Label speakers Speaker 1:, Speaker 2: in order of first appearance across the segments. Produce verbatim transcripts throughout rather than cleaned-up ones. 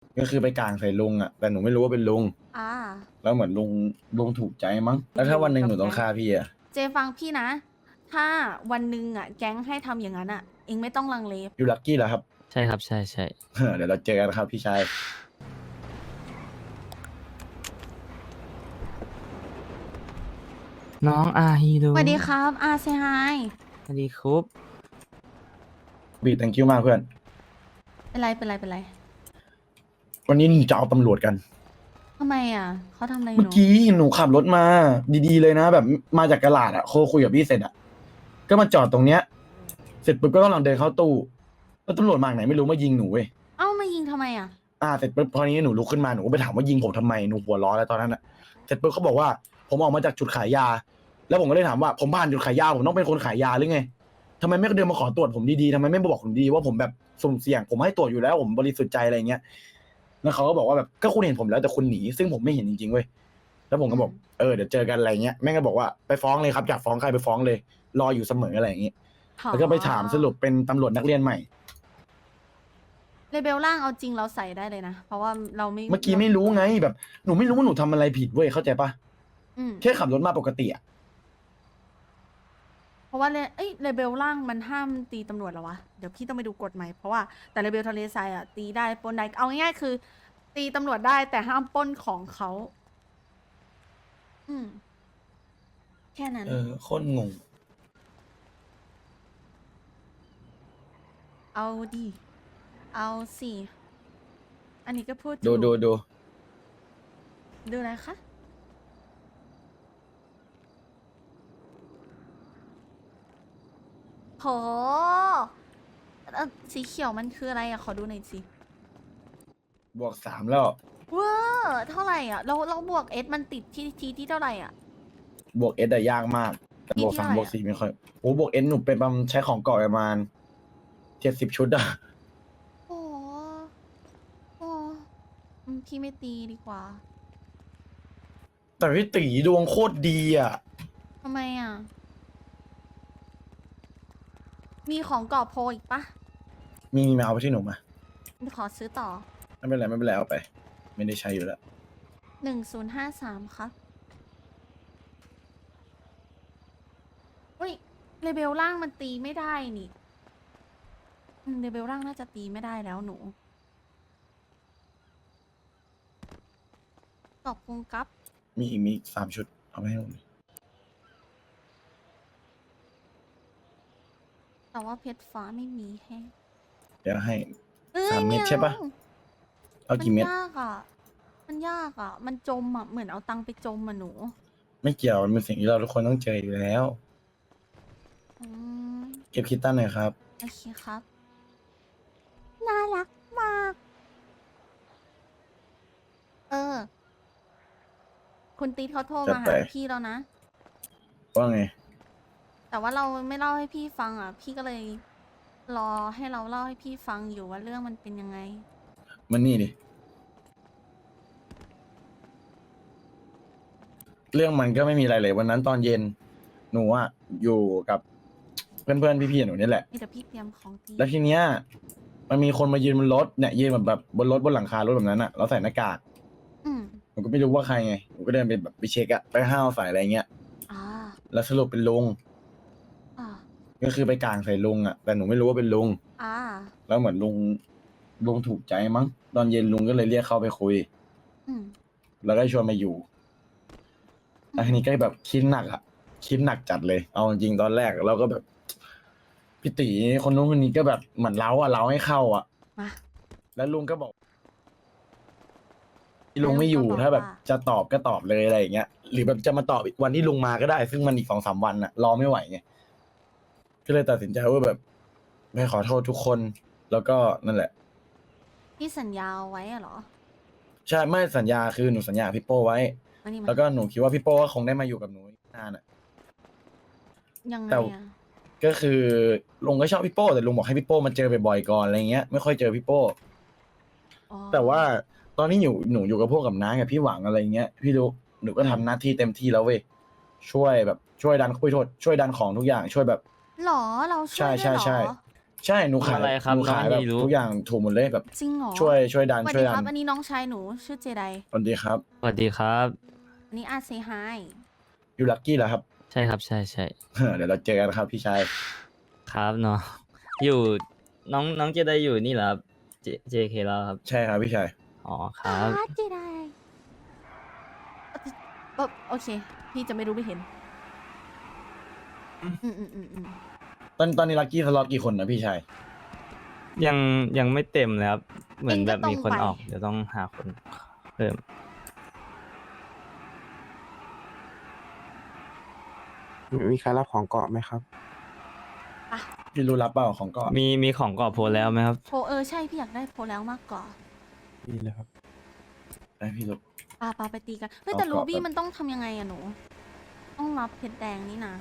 Speaker 1: ก็คือไปกลางใส่ลุงอ่ะแต่หนูไม่รู้ว่าเป็นลุง
Speaker 2: อ่า
Speaker 1: แล้วเหมือนลุงลุงถูกใจมั้งแล้วถ้าวันหนึ่งหนูต้องฆ่าพี่อ่ะ
Speaker 2: เจฟังพี่นะ ถ้าวันหนึ่งอ่ะแก๊งให้ทำอย่างนั้นอ่ะเองไม่ต้องลังเล
Speaker 1: อยู่ลักกี้เหรอครับ
Speaker 3: ใช่ครับใช่ใช่
Speaker 1: เดี๋ยวเราเจอกันครับพี่ชาย
Speaker 3: น้องอาฮีโร่
Speaker 2: สวัสดีครับอาเซฮาย
Speaker 3: สวัสดีครับ
Speaker 1: บี thank you มากเพื่อน
Speaker 2: เป็นไรเป็นไรเป็นไร
Speaker 1: วันนี้หนูจะเอาตำรวจกัน
Speaker 2: ทำไมอ่ะเขาทำอะไรห
Speaker 1: เมื่อ
Speaker 2: นู
Speaker 1: กี้หนูขับรถมา ดีๆเลยนะ แบบมาจากกะลาดอ่ะโคคุยกับพี่เสร็จอ่ะก็มาจอดตรงเนี้ย เสร็จปุ๊บก็กำลังเดินเข้าตู้แล้วตำรวจมาจากไหนไม่รู้มายิงหนูเว้ย
Speaker 2: เอ้ามายิงทำไมอ่ะ
Speaker 1: อ่าเสร็จปุ๊บพอนี้หนูลุกขึ้นมาหนูก็ไปถามว่ายิงผมทำไมหนูหัวร้อนแล้วตอนนั้นอ่ะเสร็จปุ๊บเขาบอกว่าผมออกมาจากจุดขายยา แล้วผมก็เลยถามว่าผมผ่านจุดขายยาผมต้องเป็นคนขายยาหรือไงทำไมไม่เดินมาขอตรวจผมดีๆทำไมไม่บอกผมดีว่าผมแบบสุ่มเสี่ยงผมให้ตรวจอยู่แล้วผมบริสุทธิ์ใจอะไรเงี้ยแล้วเขาก็บอกว่าแบบก็คุณเห็นผมแล้วแต่คุณหนีซึ่งผมไม่เห็นจริงๆเว้ยแล้วผมก็บอกเออเดี๋ยวเจอกันอะไรเงี้ยแม่งก็บอกว่าไปฟ้องเลยครับอยากฟ้องใครไปฟ้องเลยรออยู่เสมออะไรอย่างงี้แล้วก็ไปถามสรุปเป็นตำรวจนักเรียนใหม่
Speaker 2: เลเบลล่างเอาจริงเราใส่ได้เลยนะ เพราะว่าเราไม่
Speaker 1: เมื่อกี้ไม่รู้ไงแบบหนูไม่รู้ว่าหนูทำอะไรผิดเว้ยเข้าใจปะ
Speaker 2: อืม
Speaker 1: แค่ขับรถมาปกติอะ
Speaker 2: เพราะว่าเลเอ้ยเลเบลล่างมันห้ามตีตำรวจเหรอวะ เดี๋ยวพี่ต้องไปดูกฎใหม่เพราะว่าแต่เลเบลทะเลทรายอ่ะตีได้ปล้นได้เอาง่ายๆคือ ตีตำรวจได้แต่ห้ามปล้นของเขา อืม แค่นั้น
Speaker 1: เออโคตรงง
Speaker 2: เอาดิ เอาสิ อันนี้ก็พูด
Speaker 1: ดู
Speaker 2: ถูก
Speaker 1: ดูดู
Speaker 2: ดูอะไรคะ โหเอ่อสีเขียวมันคืออะไรอะขอดูหน่อยสิ
Speaker 1: บวกสามแล้ว
Speaker 2: ว้าเท่าไหร่อ่ะ เราเราบวกเอสมันติดที่ทีที่เท่าไหร่อ่ะ
Speaker 1: บวกเอสอะยากมากแต่บวกสาม
Speaker 2: ที่เท่าไหร่อะ
Speaker 1: บวกสี่ไม่ค่อยโอ้บวกเอสหนูเป็นประมาณใช้ของเก่าประมาณเจ็ดสิบชุดอะ
Speaker 2: โอ้โหโอ้อืมพี่ไม่ตีดีกว่า
Speaker 1: แต่พี่ตีดวงโคตรดีอะ
Speaker 2: ทำไมอ่ะ มีของกรอบโพอีกปะ
Speaker 1: มีมีมาเอาไปที่หนูมา
Speaker 2: ขอซื้อต่อ
Speaker 1: ไม่เป็นไรไม่เป็นไรเอาไป ไม่ได้ใช้อยู่แล้ว
Speaker 2: หนึ่งศูนย์ห้าสามครับเฮ้ยเลเบลล่างมันตีไม่ได้นี่อืมเลเบลล่างน่าจะตีไม่ได้แล้วหนูขอบคุณครับ
Speaker 1: มีอีกมีอีกสามชุดเอาไปให้หนูดิ
Speaker 2: แต่ว่าเพชรฟ้าไม่มีแฮะ
Speaker 1: เดี๋ยวให้
Speaker 2: เอ้ย
Speaker 1: สามเม็ด
Speaker 2: ไอ
Speaker 1: ใช่ปะ เอากี่เม็ด
Speaker 2: มันยากอ่ะ มันยากอ่ะ มันจมอ่ะ เหมือนเอาตังค์ไปจมอ่ะหนู
Speaker 1: ไม่เกี่ยวมันเป็นสิ่งที่เราทุกคนต้องเจออยู่แล้ว
Speaker 2: อืม
Speaker 1: เก็บคิดตั้นหน่อยครับ
Speaker 2: โอเคครับ น่ารักมาก เออ คุณตีดเขาโทร
Speaker 1: จัด
Speaker 2: มา
Speaker 1: ไป
Speaker 2: หาพี่แล้วนะ
Speaker 1: ว่าไง
Speaker 2: แต่ว่าเราไม่เล่าให้พี่ฟังอ่ะ พี่ก็เลย รอให้เราเล่าให้พี่ฟังอยู่ว่าเรื่องมันเป็นยังไง
Speaker 1: มันนี่ดิ เรื่องมันก็ไม่มีอะไรเลยวันนั้นตอนเย็น หนูอะอยู่กับเพื่อนๆพี่ๆหนูนี่แหละ
Speaker 2: นี่เดี๋ยวพี่เตรียมของตี
Speaker 1: แล้วทีเนี้ยมันมีคนมายืนบนรถเนี่ยยืนแบบแบบบนรถบนหลังคารถแบบนั้นอะแล้วใส่หน้ากาก
Speaker 2: อืม
Speaker 1: หนูก็ไม่รู้ว่าใครไงหนูก็เดินไปแบบไปเช็คอะไปห้าวใส่อะไรเงี้ย
Speaker 2: อ่า
Speaker 1: แล้วสรุปเป็นลุง
Speaker 2: อ่า
Speaker 1: ก็คือไปกลางใส่ลุงอะแต่หนูไม่รู้ว่าเป็นลุง
Speaker 2: อ่า
Speaker 1: แล้วเหมือนลุงลุงถูกใจมั้งตอนเย็นลุงก็เลยเรียกเข้าไปคุย
Speaker 2: อืม
Speaker 1: แล้วก็ชวนมาอยู่แล้วทีนี้ก็แบบคิดหนักอะคิดหนักจัดเลย เอาจริงๆตอนแรกเราก็แบบพี่ตีคนนู้นคนนี้ก็แบบเหมือนเล้าอะเล้าให้เข้าอะ
Speaker 2: มา
Speaker 1: แล้วลุงก็บอกลุงไม่อยู่
Speaker 2: แล้วลุงก็บอก
Speaker 1: ถ้าแบบ
Speaker 2: ว่า
Speaker 1: จะตอบก็ตอบเลยอะไรอย่างเงี้ย หรือแบบจะมาตอบอีกวันที่ลุงมาก็ได้ ซึ่งมันอีกสองสามวันอะรอไม่ไหวไงก็เลยตัดสินใจว่าแบบไปขอโทษทุกคน แล้วก็นั่นแหละ
Speaker 2: พี่สัญญาเอาไว้อะเหรอ
Speaker 1: ใช่ไม่สัญญาคือหนูสัญญากับพี่โป้ไว้
Speaker 2: มานี่มา
Speaker 1: แล้วก็หนูคิดว่าพี่โป้ก็คงได้มาอยู่กับหนูนานอะ
Speaker 2: ยังไง
Speaker 1: แต่
Speaker 2: อ่ะ
Speaker 1: ก็คือลุงก็ชอบพี่โป้แต่ลุงบอกให้พี่โป้มาเจอบ่อยๆก่อนอะไรเงี้ยไม่ค่อยเจอพี่โป้
Speaker 2: อ๋อ
Speaker 1: แต่ว่าตอนนี้อยู่หนูอยู่กับพวกกับน้ากับพี่หวังอะไรเงี้ยพี่รู้หนูก็ทำหน้าที่เต็มที่แล้วเว้ยช่วยแบบช่วยดันคุยโทษช่วยดันของทุกอย่างช่วยแบบ
Speaker 2: หรอ เราช่วย
Speaker 1: ใช่
Speaker 2: ด้วย
Speaker 1: ใช่
Speaker 2: เหรอ
Speaker 1: ใช่ใช่หนูขาย
Speaker 3: อะไรครับ
Speaker 1: หนูขาย
Speaker 3: น้อง
Speaker 1: แบบ
Speaker 3: ฮีรุ
Speaker 1: ทุกอย่างถูกหมดเลยแบบ
Speaker 2: จริงเหรอ
Speaker 1: ช่วยช่วยดัน
Speaker 2: สวัส
Speaker 1: ช่ว
Speaker 2: ดี
Speaker 1: ยดั
Speaker 2: ครับ
Speaker 1: น
Speaker 2: อันนี้น้องชายหนูชื่อเจได
Speaker 1: สวัสดีครับ
Speaker 3: สวัสดีครับ
Speaker 2: อันนี้อาเซฮาย
Speaker 1: อยู่ลักกี้เหรอครับ
Speaker 3: ใช่ครับใช่ใช่
Speaker 1: เดี๋ยวเราเจอกันครับพี่ชาย
Speaker 3: ครับเนาะอยู่น้องน้องเจไดอยู่นี่เหรอครับเจ JK แล้วครับ
Speaker 1: ใช่ครับพี่ชาย
Speaker 3: อ๋อครับ
Speaker 2: อาเจไดเอ่อโอเค พี่จะไม่รู้ไม่เห็น อืมอืมอืมอืม
Speaker 1: ตอนตอนนี้ลักกี้สล็อตกี่คนนะพี่ชาย
Speaker 3: ยังยังไม่เต็มเลยครับ เหมือน
Speaker 2: เอง
Speaker 3: แบ
Speaker 2: ก็
Speaker 3: บ
Speaker 2: ตรง
Speaker 3: มีคน
Speaker 2: ไป
Speaker 3: ออก เดี๋ยวต้องหาคนเพิ่ม
Speaker 4: มีใครรับของเกาะไหมครับ
Speaker 1: พี่รู้รับเปล่าของเกาะ
Speaker 3: มีมีของกรอบโพลแล้วไหมครับ
Speaker 2: โพเออใช่พี่อยากได้โพแล้วมากกว่า
Speaker 4: นี่เลยครับ
Speaker 1: ได้พี่รู้
Speaker 2: ปาปาไปตีกัน เฮ้ยแต่
Speaker 1: เอา
Speaker 2: รู
Speaker 1: เกาะ
Speaker 2: บี้
Speaker 1: แบบ
Speaker 2: มันต้องทำยังไงอะหนู ต้องรับเพชรแดงนี่นะ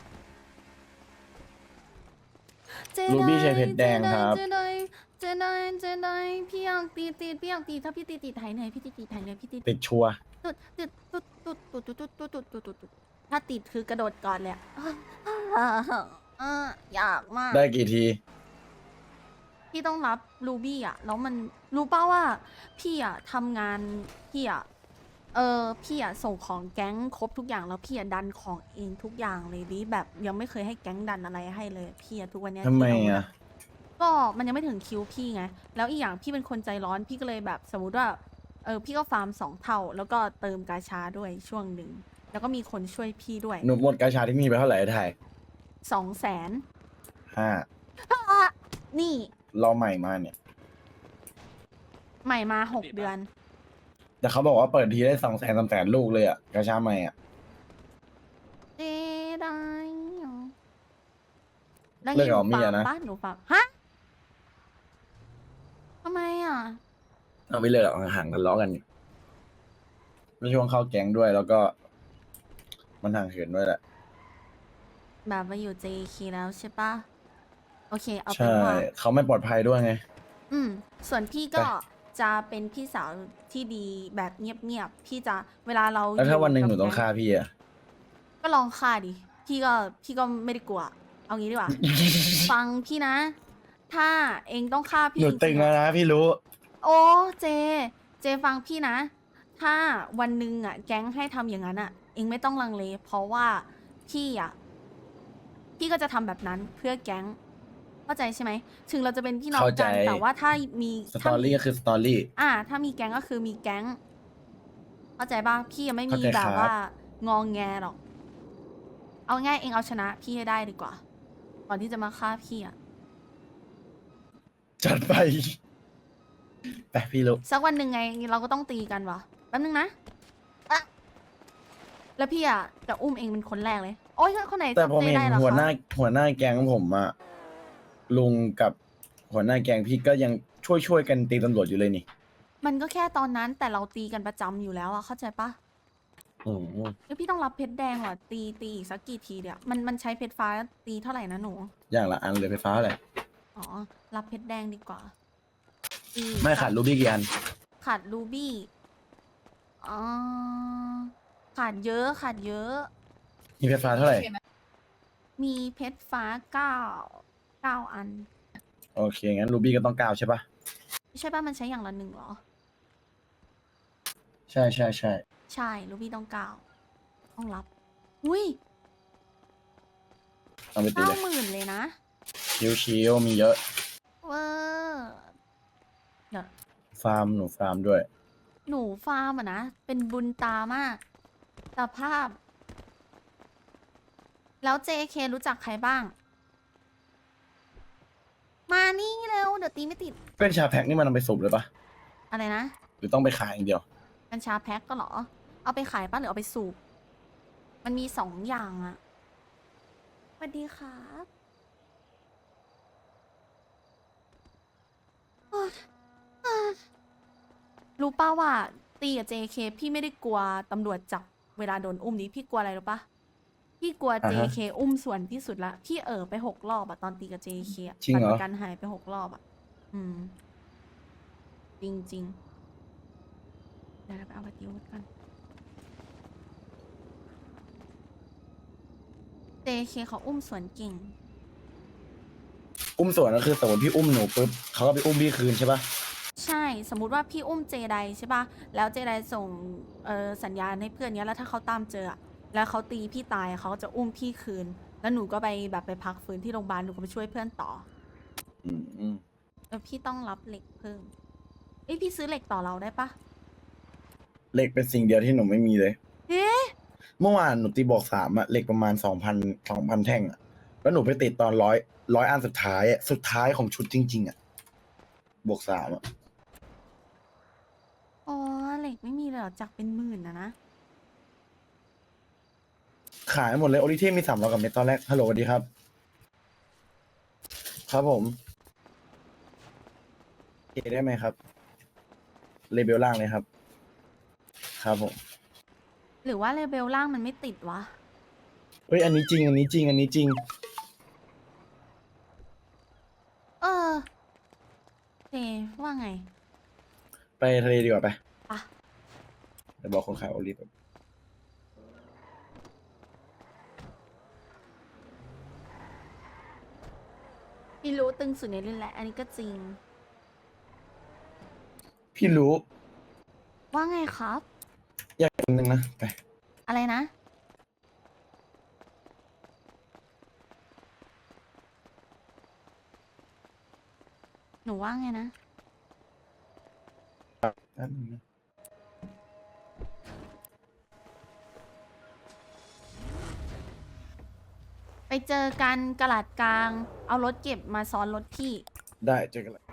Speaker 1: รูบี้ใช้เพชรแดงครับ
Speaker 2: เจไดเจไดเจไดพี่อยากตีตีพี่อยากตีถ้าพี่ตีตีไทยเหนื่อยพี่ตีตีไทยเหนื่อยพี่ตี
Speaker 1: ติดชัวร์
Speaker 2: ตุดตุดตุดตุดตุดตุดตุดตุดตุดตุดตุดตุดถ้าติดคือกระโดดก่อนเลยอะอ่าอยากมาก
Speaker 1: ได้กี่ที
Speaker 2: พี่ต้องรับรูบี้อ่ะ แล้วมันรู้ป่าว่าพี่อ่ะทำงานพี่อ่ะ เออพี่อ่ะส่งของแก๊งครบทุกอย่างแล้วพี่อ่ะดันของเองทุกอย่างเลยดิแบบยังไม่เคยให้แก๊งดันอะไรให้เลยพี่อ่ะทุกวันเนี้ย
Speaker 1: ทำไม
Speaker 2: ที่เรา
Speaker 1: อ่ะ
Speaker 2: ก็มันยังไม่ถึงคิวพี่ไง แล้วอีกอย่างพี่เป็นคนใจร้อนพี่ก็เลยแบบสมมติว่าเออพี่ก็ฟาร์มสองเท่า แล้วก็เติมกาชาด้วยช่วงหนึ่งแล้วก็มีคนช่วยพี่ด้วย
Speaker 1: หนูหมดกาชาที่มีไปเท่าไหร่ไทย
Speaker 2: สองแสน
Speaker 1: ห้า
Speaker 2: นี่
Speaker 1: เราใหม่มาเนี่ย
Speaker 2: ใหม่มาหกเดือน
Speaker 1: แต่เขาบอกว่าเปิดทีได้สองแสนสามแสนลูกเลยอ่ะกาชาใหม่อ่ะ
Speaker 2: เจไดเหรอแล้ว
Speaker 1: เลิก
Speaker 2: นี่
Speaker 1: กับ
Speaker 2: หนู
Speaker 1: เมี
Speaker 2: ฟาย ร์ม
Speaker 1: นะ
Speaker 2: ปะหนูฟาร์มฮะทำไมอ่ะ
Speaker 1: เอาไม่เลยหรอกห่างกันล้อกันอยู่ไม่ช่วงเข้าแก๊งด้วยแล้วก็ มันห่างเหินด้วยแหละ
Speaker 2: แบบมาอยู่ เจ เค แล้วใช่ปะโอเค เอาเป็
Speaker 1: ใช่
Speaker 2: นว่า
Speaker 1: เขาไม่ปลอดภัยด้วยไง
Speaker 2: อืม ส่วนพี่ก็จะเป็นพี่สาวที่ดีแบบเงียบๆ พี่จะเวลาเรา
Speaker 1: แล้วถ้า
Speaker 2: ยู่
Speaker 1: วันหนึ่งหนู
Speaker 2: กับ
Speaker 1: ต้อง
Speaker 2: แก๊
Speaker 1: ฆ่าพี่อ่ะ
Speaker 2: ก็ลองฆ่าดิ พี่ก็พี่ก็ไม่ได้กลัว เอางี้ดีก ว่า ฟังพี่นะ ถ้าเองต้องฆ่าพี่
Speaker 1: หนู
Speaker 2: จริ
Speaker 1: ตึง
Speaker 2: ๆ
Speaker 1: แล้ว
Speaker 2: อะ
Speaker 1: นะพี่รู้
Speaker 2: โอ้เจ เจฟังพี่นะ ถ้าวันหนึ่งอ่ะ แก๊งให้ทำอย่างนั้นอ่ะ เองไม่ต้องลังเล เพราะว่าพี่อ่ะ พี่ก็จะทำแบบนั้นเพื่อแก๊ง เข้าใจใช่ไหม ถึงเราจะเป็นพี่น้อง
Speaker 1: เข้าใจ
Speaker 2: กัน แต่ว่าถ้ามี
Speaker 1: สต
Speaker 2: ถ้า
Speaker 1: อ
Speaker 2: มี
Speaker 1: รี่ก็คือสตอรี่
Speaker 2: อ่า ถ้ามีแก๊งก็คือมีแก๊ง เข้าใจป่ะ พี่ยังไม่มี
Speaker 1: เข้าใจ
Speaker 2: แบบ
Speaker 1: ครับ
Speaker 2: ว่างองแงหรอก เอาง่ายเองเอาชนะพี่ให้ได้ดีกว่า ก่อนที่จะมาฆ่าพี่อ่ะ
Speaker 1: จัดไปไปพี่รู้
Speaker 2: สักวันหนึ่งไงเราก็ต้องตีกันวะแป๊บนึงนะอะแล้วพี่อ่ะจะอุ้มเองเป็นคนแรกเลย โอ๊ยคนไหน
Speaker 1: แต่ผม
Speaker 2: เจ๊
Speaker 1: เห็น
Speaker 2: ได้เหรอ
Speaker 1: หัวหน้า
Speaker 2: คะ
Speaker 1: หัวหน้าแก๊งผมอะลุงกับหัวหน้าแก๊งพี่ก็ยังช่วยช่วยกันตีตำรวจอยู่เลยนี่
Speaker 2: มันก็แค่ตอนนั้นแต่เราตีกันประจำอยู่แล้วอะเข้าใจปะ
Speaker 1: อืม
Speaker 2: แล้วพี่ต้องรับเพชรแดงเหรอตีตีอีกสักกี่ทีเดียวมันมันใช้เพชรฟ้าตีเท่าไหร่นะหนู
Speaker 1: อย่างละอันเลยไฟฟ้าอะไร
Speaker 2: อ๋อ รับเพชรแดงดีกว่าตี
Speaker 1: ไม่ขาดรูบี้กี่อัน
Speaker 2: ขาดรูบี้อ๋อขาดเยอะขาดเยอะ
Speaker 1: มีไฟฟ้าเท่าไหร่
Speaker 2: มีเพชรฟ้าเก้าเก้าอัน
Speaker 1: โอเค งั้นรูบี้ก็ต้องเก้าใช่ปะ
Speaker 2: ใช่ป่ะมันใช้อย่างละหนึ่งเหรอ
Speaker 1: ใช่ใช่ใช่
Speaker 2: ใช่รูบี้ต้องเก้าต้องรับ อุ้ย
Speaker 1: เอาไปตี
Speaker 2: เก้า
Speaker 1: เลย
Speaker 2: หมื่นเลยนะ
Speaker 1: ชิวชิวๆมีเยอะ
Speaker 2: เวอร์เดี๋ยว
Speaker 1: ฟาร์มหนูฟาร์มด้วย
Speaker 2: หนูฟาร์มอะนะ เป็นบุญตามากสภาพ แล้ว เจ เค รู้จักใครบ้าง มานี่เร็ว เดี๋ยวตีไม่ติด
Speaker 1: เป็นชาแพ็คนี่มันเอาไปสูบเลยปะ
Speaker 2: อะไรนะ
Speaker 1: หรือต้องไปขายอย่างเดียว
Speaker 2: กัญชาแพ็คก็เหรอ เอาไปขายป่ะหรือเอาไปสูบ มันมีสองอย่างอะสวัสดีครับโอ๊ยอ่ารู้ป่าว่าตีกับ เจ เค พี่ไม่ได้กลัวตำรวจจับเวลาโดนอุ้มนี้พี่กลัวอะไรรู้ปะพี่กลัว
Speaker 1: อ่า
Speaker 2: เจ
Speaker 1: ฮะ
Speaker 2: เค อุ้มส่วนที่สุดละ พี่เออไปหกรอบอะตอนตีกับ เจ เค อะ
Speaker 1: จริงเหรอ
Speaker 2: บัตประกันหายไปหกรอบอะอืม จริงจริงๆเดี๋ยวเราไปเอาบัตรยูทกัน เจ เค เขาอุ้มสวนเก่ง
Speaker 1: อุ้มสวนก็คือสมมติพี่อุ้มหนูปุ๊บเขาก็ไปอุ้มพี่คืนใช่ปะ
Speaker 2: ใช่สมมุติว่าพี่อุ้มเจไดใช่ปะแล้วเจไดส่งเอ่อสัญญาณให้เพื่อนเนี้ยแล้วถ้าเขาตามเจออะแล้วเขาตีพี่ตายอะเขาก็จะอุ้มพี่คืน แล้วหนูก็ไปแบบไปพักฟื้นที่โรงพยาบาลหนูก็ไปช่วยเพื่อนต่อ
Speaker 1: อืมอืม
Speaker 2: แล้วพี่ต้องรับเหล็กเพิ่มเอ้ยพี่ซื้อเหล็กต่อเราได้ปะ
Speaker 1: เหล็กเป็นสิ่งเดียวที่หนูไม่มีเลย
Speaker 2: เอ๊ะ
Speaker 1: เมื่อวานหนูตีบอกสามอะเหล็กประมาณสองพันสองพันแท่งอะแล้วหนูไปติดตอนร้อยร้อยอันสุดท้ายอะสุดท้ายของชุดจริง ๆอะบวกสามอะ
Speaker 2: อ๋อเหล็กไม่มีเลยเหรอจากเป็นหมื่นนะนะ
Speaker 1: ขายหมดเลยโอริเทมมีสามร้อยกับเม็ดตอนแรกฮัลโหลสวัสดีครับ ครับผมเอได้ไหมครับเลเบลล่างเลยครับ ครับผม
Speaker 2: หรือว่าเลเบลล่างมันไม่ติดวะ
Speaker 1: เฮ้ยอันนี้จริง อันนี้จริง อันนี้จริง
Speaker 2: เออเจว่าไง
Speaker 1: ไปทะเลดีกว่าไป
Speaker 2: ปะ
Speaker 1: เดี๋ยวบอกคนขายโอลิฟแบบ
Speaker 2: พี่รู้ตึงสุดในเรื่องแหละ อันนี้ก็จริง
Speaker 1: พี่รู้
Speaker 2: ว่าไงครับ
Speaker 1: อยากกินนึงนะไป
Speaker 2: อะไรนะ หนูว่าไงนะ
Speaker 1: แป๊บนึงนะ
Speaker 2: ไปเจอกันกระหลัดกลาง เอารถเก็บมาซ้อนรถพี่
Speaker 1: ได้เจอกันละ